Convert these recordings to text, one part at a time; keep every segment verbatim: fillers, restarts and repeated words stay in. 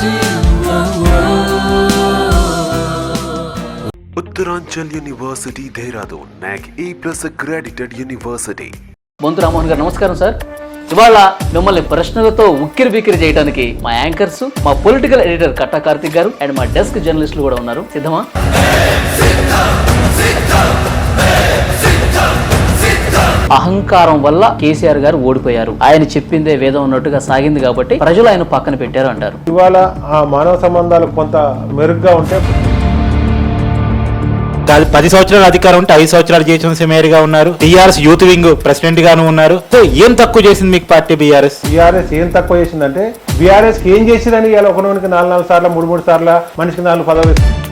Uttaranchal University, Dehradun, N A C E plus accredited university. Bonthu Rammohan గారు నమస్కారం sir. ఇవాళ మిమ్మల్ని ప్రశ్నలతో ఉక్కిరి బిక్కిరి చేయడానికి మా యాంకర్స్, మా పొలిటికల్ ఎడిటర్ కట్టా కార్తిక్ గారు అండ్ మా డెస్క్ జర్నలిస్టులు కూడా ఉన్నారు. సిద్ధమా? అహంకారం వల్ల కేసీఆర్ గారు ఓడిపోయారు. ఆయన చెప్పిందే వేదం ఉన్నట్టుగా సాగింది కాబట్టి ప్రజలు ఆయన పక్కన పెట్టారు అంటారు. ఇవాళ ఆ మానవ సంబంధాలు కొంత మెరుగ్గా ఉంటే పది సంవత్సరాల అధికారం ఉంటే ఐదు సంవత్సరాలు జీహెచ్ఎంసీ మేయర్గా ఉన్నారు. టీఆర్ఎస్ యూత్ వింగ్ ప్రెసిడెంట్ గాను ఉన్నారు. సో ఏం తక్కువ చేసింది మీకు పార్టీ బీఆర్ఎస్? బీఆర్ఎస్ ఏం తక్కువ చేసిందంటే బీఆర్ఎస్ ఏం చేసిందని ఇవాళ ఒకరికి నాలుగు నాలుగు సార్లు మూడు మూడు సార్లు మనిషికి నాలుగు పదవి.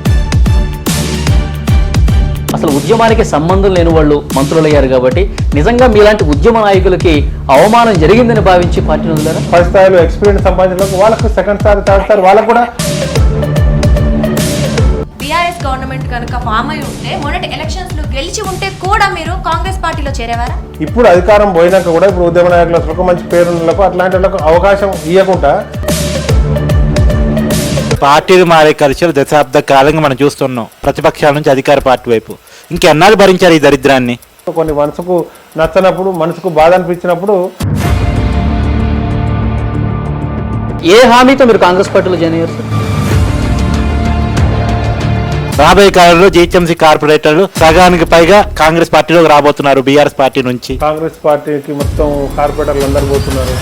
అసలు ఉద్యమానికి సంబంధం లేని వాళ్ళు మంత్రులు అయ్యారు కాబట్టి నిజంగా మీలాంటి ఉద్యమ నాయకులకి అవమానం జరిగిందని భావించి పార్టీని వదిలేరా? ఫస్ట్ స్థాయిలో ఎక్స్పీరియన్స్ సంపాదించడానికి వాళ్ళకు సెకండ్ స్థాయి థర్డ్ స్థాయి వాళ్ళకు కూడా. బీఆర్ఎస్ గవర్నమెంట్ కనుక ఫామ్ అయి ఉంటే మొన్నటి ఎలక్షన్స్ లో గెలిచి ఉంటే కూడా మీరు కాంగ్రెస్ పార్టీలో చేరేవారా? ఇప్పుడు అధికారం పోయినాక కూడా ఇప్పుడు ఉద్యమ నాయకులకు మంచి పేరులకు అట్లాంటి వాళ్ళకు అవకాశం ఇవ్వకుండా పార్టీలు మారే కల్చర్ దశాబ్ద కాలంగా మనం చూస్తున్నాం. ప్రతిపక్షాల నుంచి అధికార పార్టీ వైపు ఇంకెన్నాళ్ళు భరించారు ఈ దరిద్రాన్ని? కొన్ని మనసుకు నచ్చనప్పుడు, మనసుకు బాధ అనిపించినప్పుడు ఏ హామీతో మీరు కాంగ్రెస్ పార్టీలో జాయిన్ అయ్యారు? రాబోయే కాలంలో జీహెచ్ఎంసీ కార్పొరేటర్లు సగానికి పైగా కాంగ్రెస్ పార్టీలోకి రాబోతున్నారు. బీఆర్ఎస్ పార్టీ నుంచి కాంగ్రెస్ పార్టీకి మొత్తం కార్పొరేటర్లు అందరు పోతున్నారు.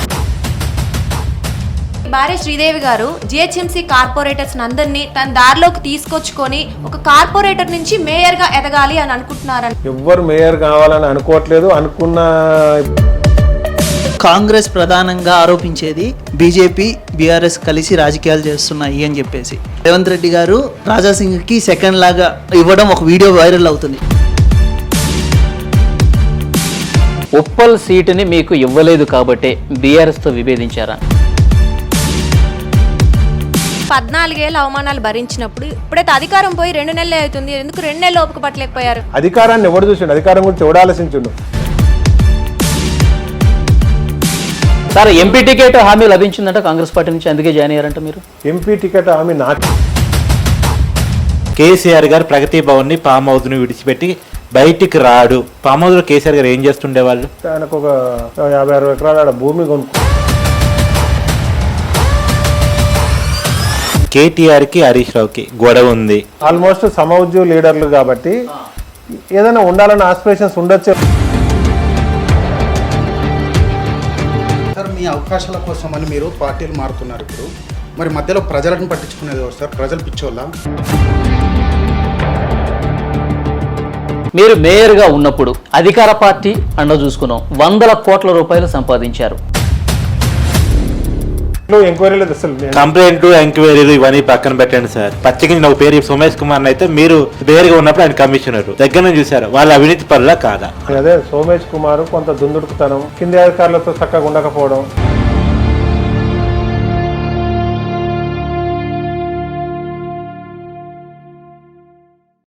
భార్య శ్రీదేవి గారు జిహెచ్ఎంసీ కార్పొరేటర్స్ అందరినీ తన దారిలోకి తీసుకొచ్చుకొని ఒక కార్పొరేటర్ నుంచి మేయర్ గా ఎదగాలి అని అనుకుంటున్నారని. ఎవ్వరు మేయర్ కావాలని అనుకోవట్లేదు. అనుకున్న కాంగ్రెస్ ప్రధానంగా ఆరోపించేది బీజేపీ బీఆర్ఎస్ కలిసి రాజకీయాలు చేస్తున్నాయి అని చెప్పేసి. రేవంత్ రెడ్డి గారు రాజాసింగ్ కి సెకండ్ లాగా ఇవ్వడం ఒక వీడియో వైరల్ అవుతుంది. ఉప్పల్ సీటుని మీకు ఇవ్వలేదు కాబట్టి బీఆర్ఎస్ తో విభేదించారా? పద్నాలుగేళ్ళ అవమానాలు భరించినప్పుడు ఇప్పుడైతే అధికారం పోయి రెండు నెలలే అవుతుంది, ఎందుకు రెండు నెలలు ఓపిక పట్టలేకపోయారు? అధికారాన్ని ఎవడు చూసిండు? అధికారం గురించి ఎవడు ఆలోచించుండు? సార్ ఎంపీ టికెట్ హామీ లభించిందంట కాంగ్రెస్ పార్టీ నుంచి, అందుకే జాయిన్ అయ్యారంట మీరు. ఎంపీ టికెట్ హామీ నాకు. కేసీఆర్ గారు ప్రగతి భవన్ ని పామ్ హౌస్ ని విడిచిపెట్టి బయటికి రాడు. పామ్ హౌస్ లో కేసీఆర్ గారు ఏం చేస్తుండే వాళ్ళు? ఆయనకు ఒక యాభై అరవై ఎకరాల భూమి కొనుక్కో. కేటీఆర్ కి హరీష్ రావుకి గొడవ ఉంది. ఆల్మోస్ట్ సమౌద్యోగ లీడర్లు కాబట్టి ఏదైనా ఉండాలన్న ఆస్పిరేషన్స్ ఉండొచ్చు. సార్ మీ అవకాశాల కోసం అని మీరు పార్టీలు మారుతున్నారు. ఇప్పుడు మరి మధ్యలో ప్రజలను పట్టించుకునేది ఎవరు సార్? ప్రజలు పిచ్చోళ్ళ? మీరు మేయర్గా ఉన్నప్పుడు అధికార పార్టీ అండ చూసుకున్నాం, వందల కోట్ల రూపాయలు సంపాదించారు. ఎంక్వైరీలు అసలు కంప్లైంట్ ఎంక్వైరీలు ఇవన్నీ పక్కన పెట్టండి సార్. పచ్చకించిన ఒక పేరు సోమేష్ కుమార్ అయితే మీరు పేరుగా ఉన్నప్పుడు ఆయన కమిషనర్ దగ్గర నుంచి చూసారు. వాళ్ళ అవినీతి పనులా కాదా? అదే సోమేష్ కుమార్ కొంత దుందుడుకుతనం, కింది అధికారులతో చక్కగా ఉండకపోవడం.